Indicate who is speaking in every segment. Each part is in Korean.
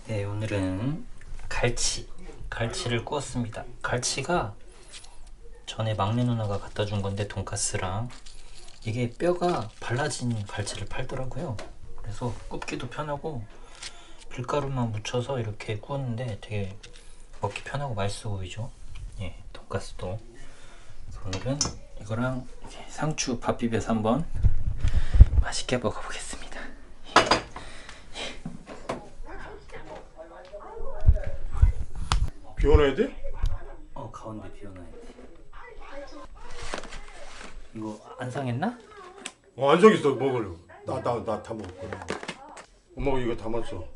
Speaker 1: 네, 오늘은 갈치를 구웠습니다. 갈치가 전에 막내 누나가 갖다 준 건데, 돈가스랑 이게 뼈가 발라진 갈치를 팔더라고요. 그래서 굽기도 편하고 밀가루만 묻혀서 이렇게 구웠는데 되게 먹기 편하고 맛있어 보이죠. 예, 돈가스도. 오늘은 이거랑 상추 밥 비벼서 한번 맛있게 먹어보겠습니다.
Speaker 2: 비워놔야 돼?
Speaker 1: 가운데 비워놔야 돼. 이거 안 상했나?
Speaker 2: 안 저기서 먹으려고. 나 다 먹을 거야. 엄마가 이거 담았어.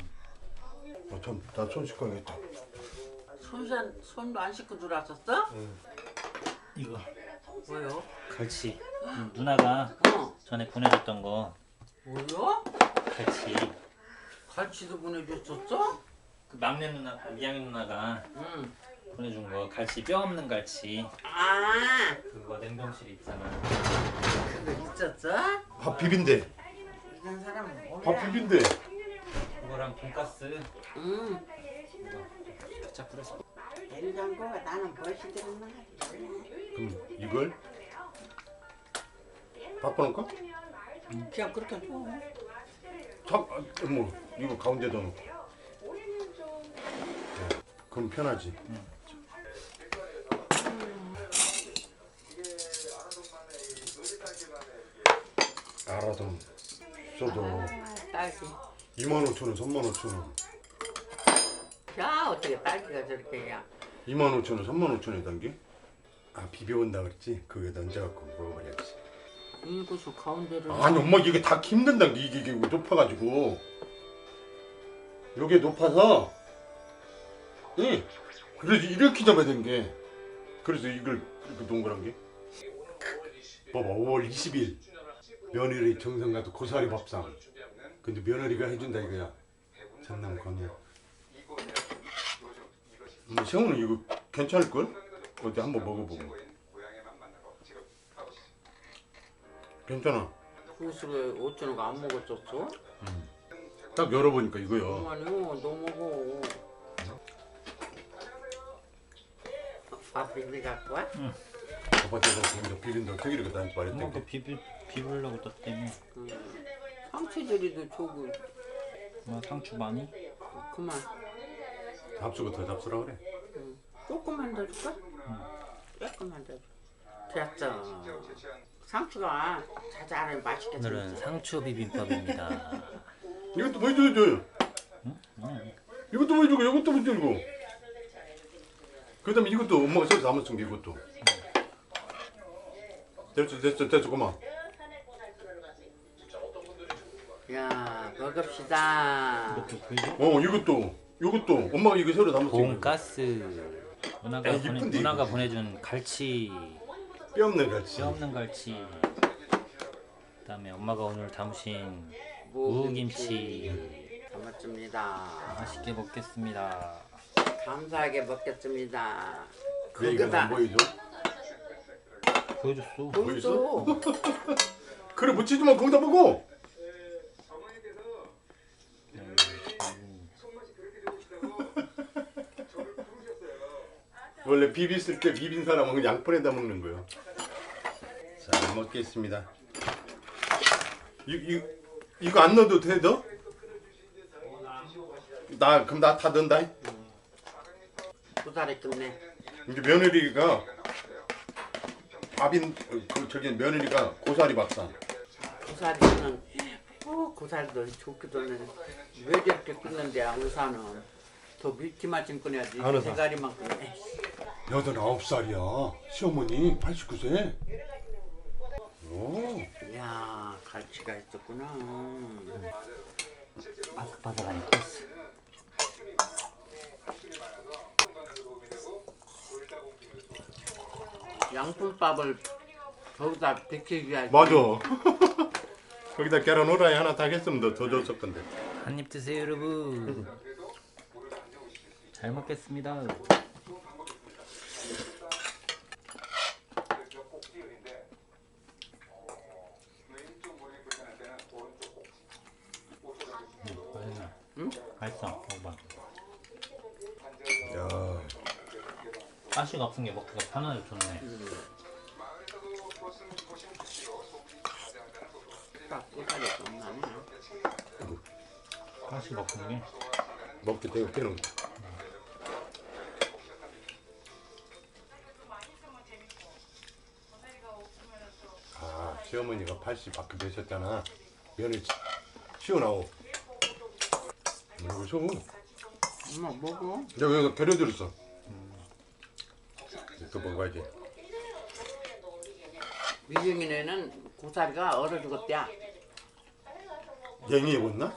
Speaker 2: 나 손 씻어야겠다.
Speaker 3: 손도 안 씻고 들어왔었어?
Speaker 1: 이거
Speaker 3: 뭐요?
Speaker 1: 갈치. 누나가 전에 보내줬던 거.
Speaker 3: 뭐요?
Speaker 1: 갈치.
Speaker 3: 갈치도 보내줬었어?
Speaker 1: 그 막내 누나, 미양이 누나가
Speaker 3: 응.
Speaker 1: 보내준 거. 갈치, 뼈 없는 갈치.
Speaker 3: 아,
Speaker 1: 그거 냉동실에 있잖아.
Speaker 3: 그거 있었어?
Speaker 2: 밥 비빈대.
Speaker 3: 이런 사람은 몰라.
Speaker 2: 밥 비빈대.
Speaker 1: 그거랑 돈가스.
Speaker 3: 응.
Speaker 1: 케찹 뿌려서.
Speaker 3: 냉장고가 나는 멋이 들었나?
Speaker 2: 그럼 이걸 바꿔놓을까?
Speaker 3: 그냥 그렇게 줘.
Speaker 2: 뭐 이거 가운데다 놓고. 그럼 편하지. 알아도 써도
Speaker 3: 딸기.
Speaker 2: 25,000원, 35,000원.
Speaker 3: 야, 어떻게 딸기가 저렇게 야.
Speaker 2: 25,000원, 35,000원에 단게? 비벼온다 그랬지? 그거에다 얹어갖고 먹어버려야지.
Speaker 3: 이것을 가운데를.
Speaker 2: 아니 엄마 이게 다 힘든다. 이게 높아가지고. 요게 높아서 그래서 이렇게 잡아야 되는 게. 그래서 이걸 이렇게 동그란 게. 봐봐, 5월 20일 며느리 정성 가도 고사리 밥상. 근데 며느리가 해준다 이거야. 전남 건우. 세훈은 이거 괜찮을걸? 어디 한번 먹어보고. 괜찮아.
Speaker 3: 그것을 왜 5,000원 안 먹었었어?
Speaker 2: 딱 열어보니까 이거요.
Speaker 3: 아니요, 너 먹어. 밥 비비 갖고 와?
Speaker 2: 아빠한테서 먼저 비린다고 태기리가 나한테 말했대.
Speaker 1: 엄마가 비비려고 떴다며.
Speaker 3: 상추들이도 저거
Speaker 1: 상추 많이?
Speaker 3: 그만.
Speaker 2: 잡수가 더 잡수라 그래.
Speaker 3: 조금만 더 줄까? 조금만 더 줘. 됐어. 상추가 자잘하니 맛있게
Speaker 1: 오늘은
Speaker 3: 생겼어.
Speaker 1: 상추 비빔밥입니다.
Speaker 2: 이것도 보여줘야죠. 이것도 보여주고 이것도 보여주고. 그 다음에 이것도 엄마가 새로 담았은 게 이것도. 됐어 그만.
Speaker 3: 야, 먹읍시다.
Speaker 2: 이것도 엄마가 이거 새로 담았어.
Speaker 1: 돈가스.
Speaker 2: 이쁜데,
Speaker 1: 누나가
Speaker 2: 이거.
Speaker 1: 보내준 갈치.
Speaker 2: 뼈 없는 갈치.
Speaker 1: 뼈 없는 갈치. 그다음에 엄마가 오늘 담으신
Speaker 3: 무김치.
Speaker 1: 무김치.
Speaker 3: 담았습니다.
Speaker 1: 맛있게 먹겠습니다.
Speaker 3: 감사하게 먹겠습니다.
Speaker 2: 왜 이거 안 보여줘?
Speaker 1: 보여줬어.
Speaker 3: 보이소.
Speaker 2: 그래 묻히지 마. 거기다 보고. 원래 비비쓸 때 비빈 사람은 양푼에다 먹는 거예요. 자, 먹겠습니다. 이거 안 넣어도 돼, 너? 그럼 나 다 넣는다.
Speaker 3: 고사리 끝내.
Speaker 2: 이제 며느리가 며느리가 고사리 밥상.
Speaker 3: 고사리는 고사리도 좋기도 하네. 왜 저렇게 끊는데 의사는 더 밀기만 좀 끊어야지.
Speaker 2: 안 의사.
Speaker 3: 대가리만 끊네.
Speaker 2: 89살이야. 시어머니 89세. 오.
Speaker 3: 야, 갈치가 있었구나.
Speaker 1: 바삭바삭하니 코스.
Speaker 3: 양푼밥을 거기다 비키기 위해.
Speaker 2: 맞아. 거기다 계란 후라이 하나 딱 했으면 더 줬을 건데.
Speaker 1: 한입 드세요, 여러분. 잘 먹겠습니다.
Speaker 3: 응?
Speaker 1: 맛있어. 먹어봐.
Speaker 2: 야,
Speaker 1: 가시가 없은 게 먹기가 편하게 좋네.
Speaker 3: 딱 고사리 좀 나네.
Speaker 1: 가시가 없은 게.
Speaker 2: 먹기 되게 빼는 거. 아, 시어머니가 80 밖에 되셨잖아. 면을 치워나오. 이거 줘.
Speaker 3: 엄마 먹어.
Speaker 2: 내가 여기서 계려들었어. 또 먹어야지.
Speaker 3: 미중이네는 고사리가 얼어 죽었대야.
Speaker 2: 냉이 입었나?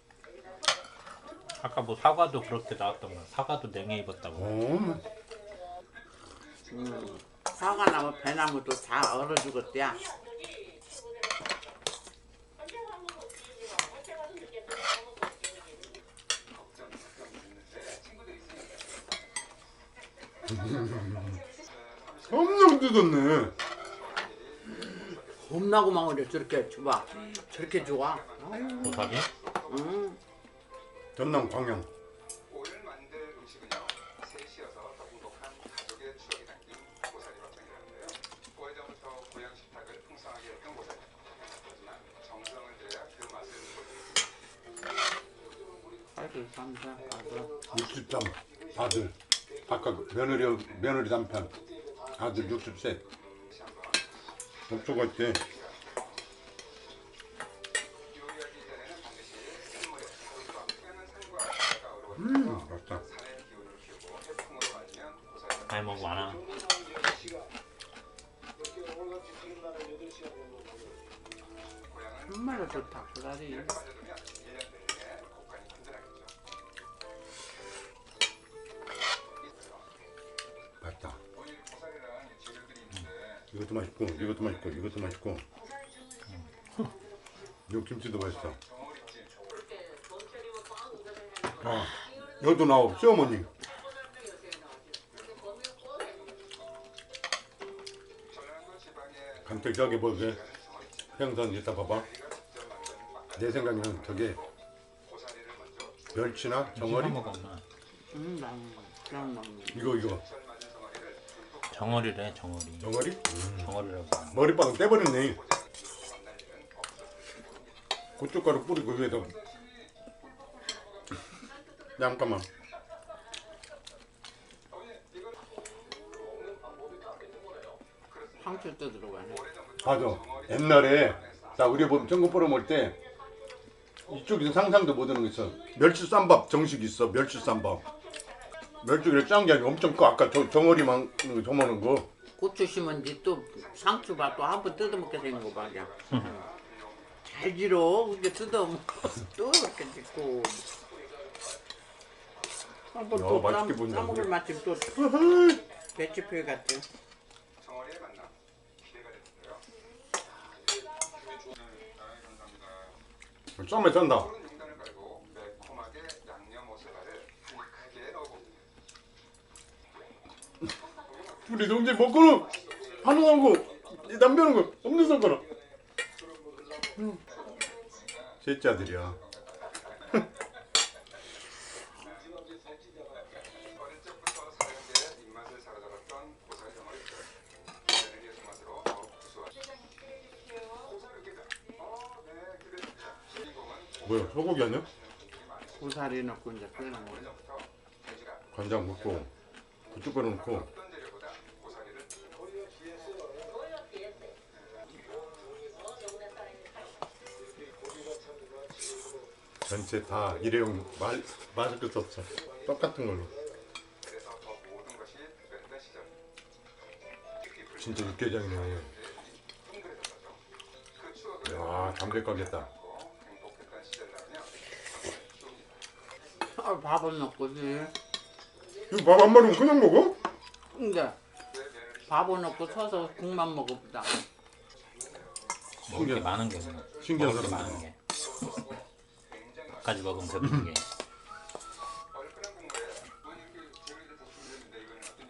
Speaker 1: 아까 뭐 사과도 그렇게 나왔던 사과도 냉해 입었다고.
Speaker 3: 사과나무, 배나무도 다 얼어 죽었대야.
Speaker 2: 엄청 뜯었네.
Speaker 3: 겁나고 망으려 저렇게 줘봐. 저렇게 좋아.
Speaker 1: 고사리?
Speaker 3: 응.
Speaker 2: 전남 광양.
Speaker 4: 오늘 만들 음식은요, 셋이어서 더 행복한 가족의 추억이 담긴 고사리 밥상이라는데요. 오래전부터 고향 식탁을 풍성하게 했던 고사리. 하지만 정성을 들여야 그 맛을 보여줍니다.
Speaker 3: 아이고 감사. 아주
Speaker 2: 63 아들. 아까 그 며느리 남편. 아들 60세. 목소가 있대.
Speaker 4: 요리하기 전에는 반드시 찬물에 물과 뜨는 산과 바다가 어우러져서
Speaker 2: 맛있다.
Speaker 4: 산의 기운을 키우고 해풍으로 말리면 고사리가
Speaker 1: 많이 먹어 안 와.
Speaker 4: 고향은
Speaker 3: 정말로 좋다 고사리.
Speaker 4: 빠져두면 1년 내내 곡간이 든든하겠죠.
Speaker 2: 맛있다.
Speaker 4: 오늘 고사리랑 재료들이 있는데
Speaker 2: 이것도 맛있고, 이것도 맛있고, 이것도 맛있고. 요 김치도 맛있어. 아, 여도 나오. 시어머니.
Speaker 4: 전라도 지방의
Speaker 2: 간택 저기 뭐게 생선 이따 봐봐. 내 생각에는 저게
Speaker 4: 고사리를 먼저
Speaker 2: 멸치나 정어리?
Speaker 1: 먹어 엄마.
Speaker 3: 그냥 먹는.
Speaker 2: 이거
Speaker 1: 정어리래 정어리.
Speaker 2: 정어리?
Speaker 1: 정어리라고.
Speaker 2: 머리빵 떼버렸네. 고춧가루 뿌리고 위에다. 잠깐만.
Speaker 3: 상추도 들어가네.
Speaker 2: 맞아. 옛날에 나 우리 보면 전국 보러 올 때 이쪽에서 상상도 못하는 거 있어. 멸치 쌈밥 정식 있어. 멸치 쌈밥. 멸치를 짠 게 아니고 엄청 커. 아까 정어리만 저만한 거.
Speaker 3: 고추 심은지 또 상추밥 또 한 번 뜯어먹게 되는 거 말이야. 잘 지러 그게 뜯어먹고 또 이렇게 짓고 한번
Speaker 2: 야,
Speaker 3: 또
Speaker 2: 맛있게 보인다,
Speaker 3: 싸먹을
Speaker 2: 이거.
Speaker 3: 마침 또 배추표 같은.
Speaker 4: 정어리의 만남 기대가 되는데요. 감사합니다.
Speaker 2: 쌈에 짠다.
Speaker 4: 푸른 용단을 깔고 매콤하게 양념 오스바를 한 크게 넣어봅니다.
Speaker 2: 우리 동지 먹고는 하는 거, 이 남편은 거 없는 손가락. 셋째 아들이야.
Speaker 4: 어릴 적부터 사람들의 입맛을 사로잡았던 고사리 정어리들. 며느리의 손맛으로 더욱 구수하게. 네, 기대됩니다. 주인공은
Speaker 2: 뭐야, 소고기 아니야?
Speaker 3: 고사리 넣고 이제 끓는 거.
Speaker 4: 오래전부터 돼지가
Speaker 2: 간장 넣고 고춧가루 넣고
Speaker 4: 어떤 재료보다 고사리를
Speaker 2: 전체 다 일회용 맛을 끝 없어. 똑같은 걸로.
Speaker 4: 그래서 더 모든 것이 특별했던 시절.
Speaker 2: 진짜 육개장이네.
Speaker 4: 그 추억을
Speaker 2: 야, 담백하겠다.
Speaker 4: 행복했던 시절이라면
Speaker 3: 아, 밥은 넣고지.
Speaker 2: 이거 밥 한 마리면 그냥 먹어?
Speaker 3: 근데 밥은 넣고 서서 국만 먹어보자.
Speaker 1: 먹을 게 많은 게 없네.
Speaker 2: 신기한
Speaker 1: 먹을 게
Speaker 2: 사람.
Speaker 1: 많은 게. 밥까지 먹으면 배부른 게.
Speaker 4: 얼큰한 국물에 뭐 이렇게 재료를 다 준비했는데 이거는 어떤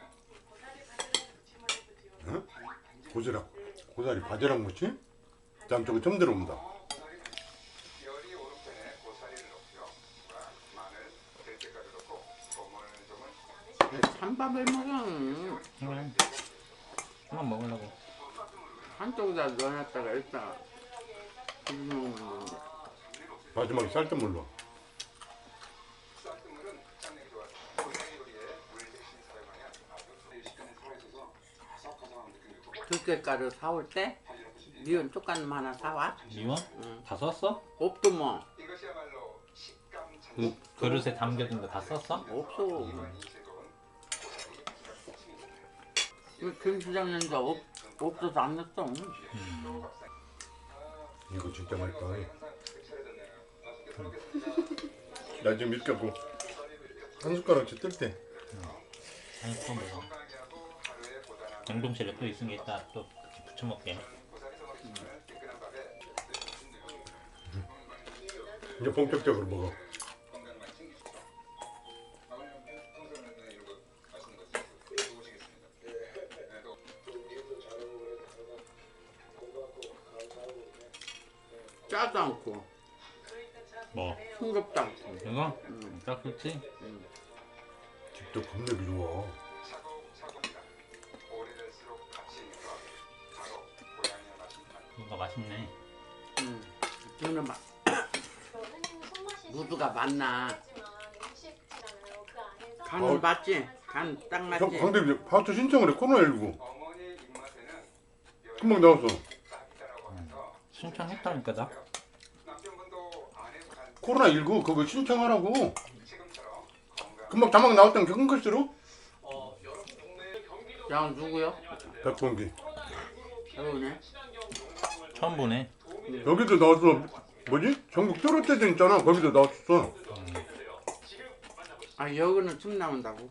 Speaker 4: 요리일까요?
Speaker 2: 고사리 바지락 무치? 다음 쪽에 처음 들어온다.
Speaker 4: 열이 오른 편에 고사리를 넣고요.
Speaker 3: 찬밥을 먹어.
Speaker 1: 그래. 한번 먹으려고.
Speaker 3: 한쪽에다 넣어놨다가 일단 비벼 먹는 건데.
Speaker 2: 마지막에 쌀뜨물로.
Speaker 4: 쌀뜨물은 흑장력이 좋아서 고사리 요리에 물 대신 사용하면 아주 식감이 살아있어서 아삭아삭한 느낌이 있고
Speaker 3: 들깨가루 사올 때 미원 뚜껑 하나 사와.
Speaker 1: 미원?
Speaker 3: 응.
Speaker 1: 다 썼어?
Speaker 3: 없도 뭐
Speaker 4: 이것이야말로 식감 찬
Speaker 2: 응.
Speaker 1: 그릇에 담겨둔 거 다 썼어?
Speaker 3: 없어.
Speaker 4: 이관이 즐거운 고사리
Speaker 3: 김치장님도 없어서 안 넣었어.
Speaker 2: 이거 진짜 맛있다. 나 지금 이렇게 하고 한 숟가락씩 뜰 때.
Speaker 1: 아니 또 먹어. 냉동실에 또 있으니까 이따 또 부쳐 먹게.
Speaker 2: 이제 본격적으로 먹어.
Speaker 3: 짜도 않고
Speaker 1: 뭐
Speaker 3: 싱겁도 않고.
Speaker 1: 이거? 딱 좋지?
Speaker 2: 집도 겁나 미워.
Speaker 4: 차곡차곡이다. 오래될수록 가치 있는 것 바로 고향의 맛인
Speaker 1: 뭔가 맛있네.
Speaker 3: 저는 막 무드가 맞나? 간은 맞지? 간 딱 맞지?
Speaker 2: 형 강대비 파트 신청을 해. 코로나19
Speaker 4: 어머니 입맛에는
Speaker 2: 금방 나왔어.
Speaker 4: 딱이다라고 하면서
Speaker 1: 신청했다니까 나.
Speaker 4: 남편분도 아내보다
Speaker 2: 코로나19 그거 신청하라고.
Speaker 4: 지금처럼 건강
Speaker 2: 금방 자막 나왔던 큰 글씨로.
Speaker 3: 야 누구요?
Speaker 2: 백봉기.
Speaker 3: 배우네.
Speaker 1: 처음 보네.
Speaker 2: 여기도 나왔어. 뭐지? 전국 뚜렷대전 있잖아. 거기도 나왔어.
Speaker 3: 아 여기는 춤 나온다고.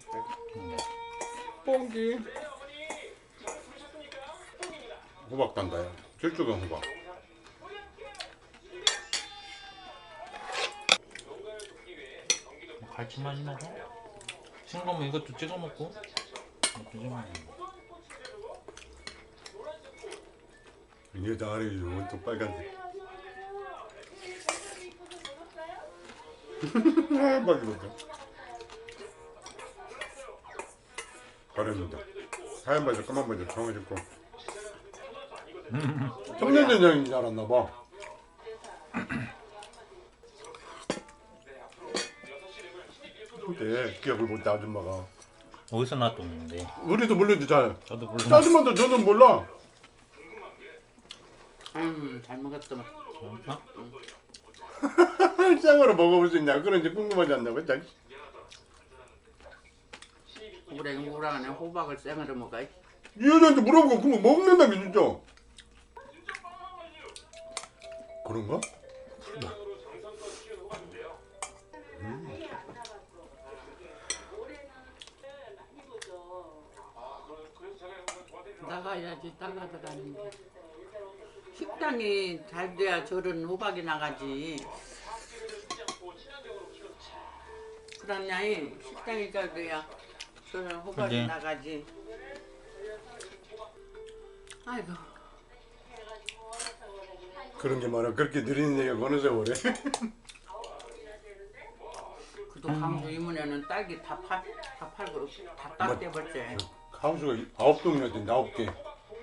Speaker 3: 뽕기.
Speaker 2: 호박 단다야. 질주경 호박.
Speaker 1: 갈치맛이 나서. 싱거우면 이것도 찍어 먹고. 이것도 찍어 먹고.
Speaker 2: 이게 다 아래 원통 빨간색. 하얀 바지거든. 가려진다. 하얀 바지, 까만 바지 정해졌고. 청년대장인 줄 알았나 봐. 근데 기억을 못해 아줌마가.
Speaker 1: 어디서 나왔던데?
Speaker 2: 우리도 모르지 잘.
Speaker 1: 저도 몰라.
Speaker 2: 짜증만도 저는 몰라.
Speaker 3: 잘 먹었더만.
Speaker 1: 어?
Speaker 2: 쌍으로 먹어볼 수 있냐? 그런지 궁금하지 않냐고. 자.
Speaker 3: 우랭우랭하네. 호박을 생으로 먹어.
Speaker 2: 이 여자한테 물어보고 그거 먹는다며 진짜. 그런가?
Speaker 3: 나가야지 나가더라는데 식당이 잘 돼야 저런 호박이 나가지. 그러냐이 식당이 잘 돼야 저런 호박이
Speaker 1: 근데-
Speaker 3: 나가지. 아이고
Speaker 2: 그런 게 많아. 그렇게 느리는 얘기가 어느 세월에.
Speaker 3: 그도 강주 이문에는 딸기 다 팔고 다 땄대버렸지.
Speaker 2: 하우스가 9동이나 된다. 9개.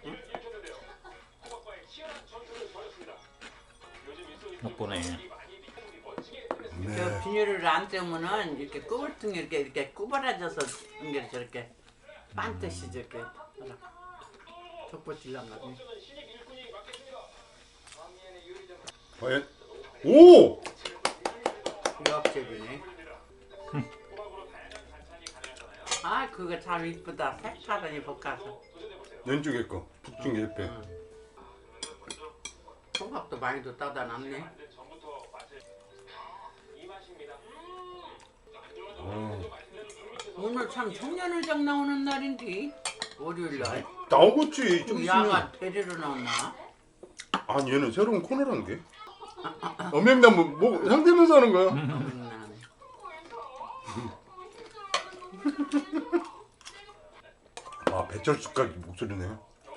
Speaker 1: 못 보네.
Speaker 2: 네.
Speaker 3: 저 비닐을 안 떼면은 이렇게 꾸불퉁이 이렇게 구부러져서 이게 저렇게 반듯이 저렇게 덮어질란 말이야.
Speaker 2: 과연? 오!
Speaker 3: 역적이네. 아 그거 참 이쁘다. 색깔이 볶아서.
Speaker 2: 왼쪽에 거. 북중 게 옆에.
Speaker 3: 호박도 많이도 따다 놨네. 오늘 참 청년회장 나오는 날인데 월요일날.
Speaker 2: 나오겠지. 좀
Speaker 3: 야가
Speaker 2: 있으면.
Speaker 3: 데리러 나오나?
Speaker 2: 아니 얘는 새로운 코너란 게. 엄명나무 뭐 상대면서 하는 거야. 아 배철수까지 목소리네.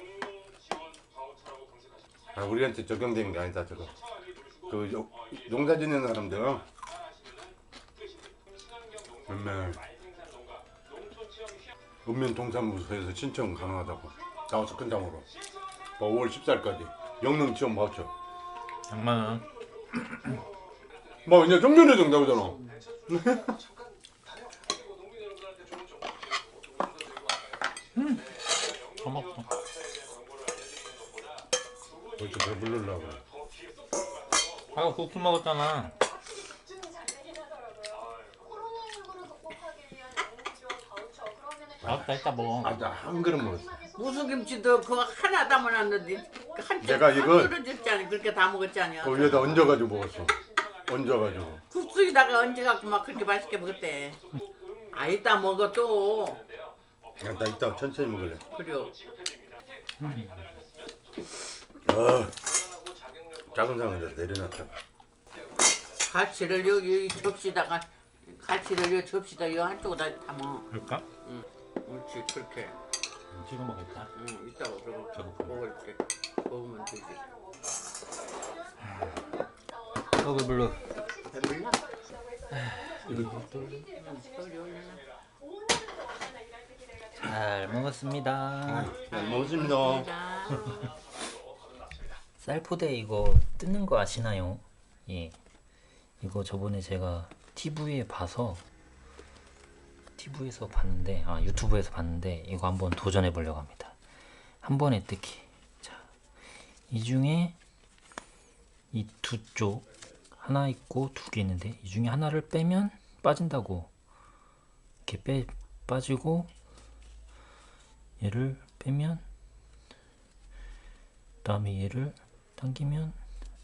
Speaker 2: 아 우리한테 적용되는 게 아니다 저거. 그 농사 짓는 사람들. 맨날 읍면 동사무소에서 신청 가능하다고. 나와서 끝장으로. 5월 14일까지 영능 지원 받죠.
Speaker 1: 장만은
Speaker 2: 뭐 이제 좀 전에 정답이잖아.
Speaker 1: 더 먹어.
Speaker 2: 벌써 배부르려고.
Speaker 1: 아까 국수 먹었잖아. 알았다, 이따 먹어.
Speaker 2: 아, 나 한 그릇 먹었어.
Speaker 3: 무수김치도 그거 하나 담아놨는데 한
Speaker 2: 내가 이걸
Speaker 3: 떨어졌잖아. 그렇게 다 먹었잖아.
Speaker 2: 그 위에다 얹어가지고 먹었어. 얹어가지고.
Speaker 3: 국수에다가 얹어갖고 막 그렇게 맛있게 먹었대. 아 이따 먹어 또.
Speaker 2: 야, 나 이따 천천히 먹을래.
Speaker 3: 그래요.
Speaker 2: 작은 상에다 내려놨다.
Speaker 3: 갈치를 여기 접시다가 갈치를 여기 접시다 이 한쪽에다 담아.
Speaker 1: 그럴까?
Speaker 3: 응. 옳지 그렇게.
Speaker 1: 지금 먹겠다.
Speaker 3: 응 이따가 저거
Speaker 1: 저거
Speaker 3: 먹을 때 먹으면 되지.
Speaker 1: 배불러.
Speaker 3: 배불러?
Speaker 1: 잘 먹었습니다.
Speaker 2: 잘 먹었습니다.
Speaker 1: 쌀포대 이거 뜯는 거 아시나요? 예. 이거 저번에 제가 TV에 봐서 TV에서 봤는데 유튜브에서 봤는데 이거 한번 도전해 보려고 합니다. 한 번에 뜯기. 자, 이 중에 이 두 쪽 하나 있고 두 개 있는데 이 중에 하나를 빼면 빠진다고. 이렇게 빠지고 얘를 빼면 그다음에 얘를 당기면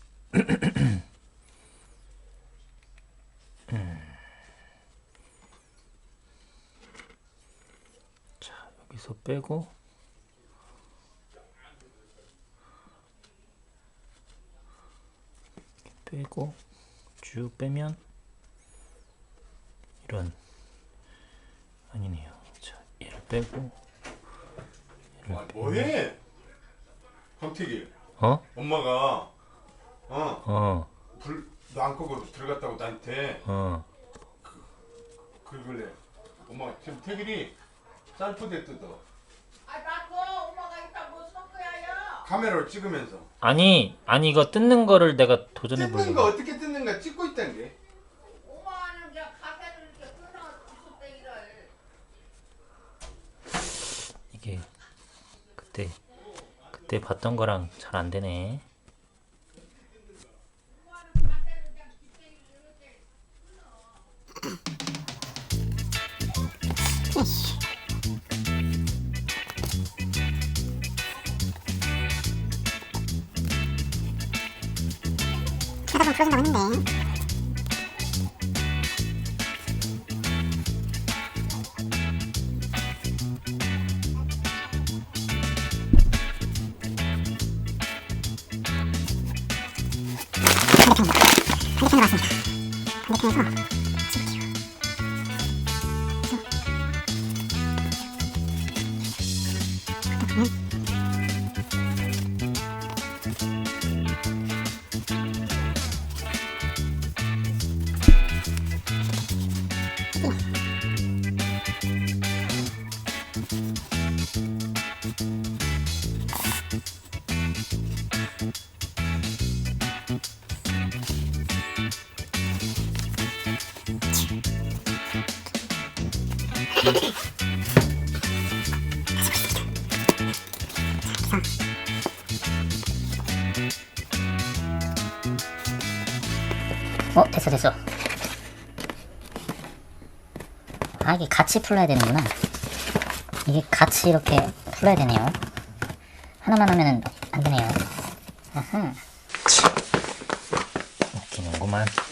Speaker 1: 자 여기서 빼고 쭉 빼면 이런 아니네요. 자 얘를 빼고
Speaker 2: 뭐해? 황태기.
Speaker 1: 어?
Speaker 2: 엄마가 불 너 안 끄고 들어갔다고 나한테 그러길래 엄마가 지금 태길이 쌀포대 뜯어.
Speaker 3: 아 나도 엄마가 이따 뭐 섞어야요.
Speaker 2: 카메라로 찍으면서.
Speaker 1: 아니 이거 뜯는 거를 내가 도전해
Speaker 2: 뜯는 거
Speaker 1: 보려고.
Speaker 2: 어떻게 뜯는가 찍고 있다는 게.
Speaker 3: 엄마는 그냥 가게를 이렇게 끊어 구석대기를.
Speaker 1: 이게 그때 봤던 거랑 잘 안 되네.
Speaker 5: 하다 보면 부러진다고 했는데 반대편으로 왔습니다. 반대편에서 됐어. 아, 이게 같이 풀러야 되는구나. 이게 같이 이렇게 풀러야 되네요. 하나만 하면은 안 되네요. 아하.
Speaker 1: 웃기는구만.